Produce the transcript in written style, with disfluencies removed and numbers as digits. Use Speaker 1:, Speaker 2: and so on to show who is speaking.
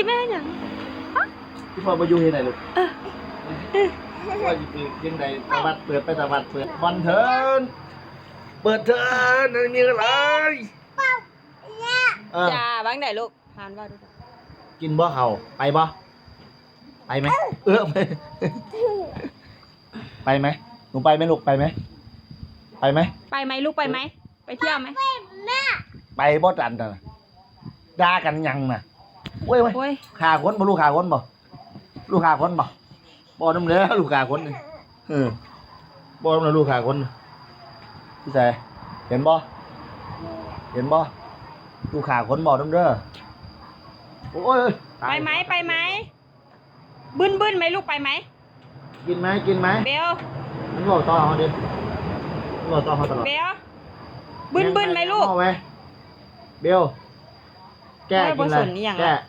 Speaker 1: แม่ยัง
Speaker 2: พี่พ่อมาอยู่ที่ไหนลูกว่าอยู่ที่ไหนตะวัดเปิดไปตะวัดเปิดบอลเถินเปิดเถินนี่อะไร
Speaker 1: จ้าบ้างไหนลูกทานว่าดู
Speaker 2: กินบ่เขาไปบ่ไปไหมไปไหมหนูไปไหมลูกไปไหมไปไหม
Speaker 1: ไปไหมลูกไปไหมไปเที่ยวไหม
Speaker 2: ไปบ่ดันน่ะด่ากันยังน่ะโอ้ย
Speaker 1: โอ้ย
Speaker 2: ขาคนบ่ลูกขาคนบ่ลูกขาคนบ่บ่น้ำเนื้อลูกขาคนนี่บ่น้ำเนื้อลูกขาคนพี่แสเห็นบ่ลูกขาคนบ่น้ำเนื้อโอ้ย
Speaker 1: ไปไหมไปไหมบึ้นไหมลูกไปไหม
Speaker 2: กินไหม
Speaker 1: เบล
Speaker 2: มันบอกต่อเขาดิมันบอกต่อเขาตลอด
Speaker 1: เบลบึ้นไหมลูก
Speaker 2: เอาไหมเบลแก้กินอะไรแก้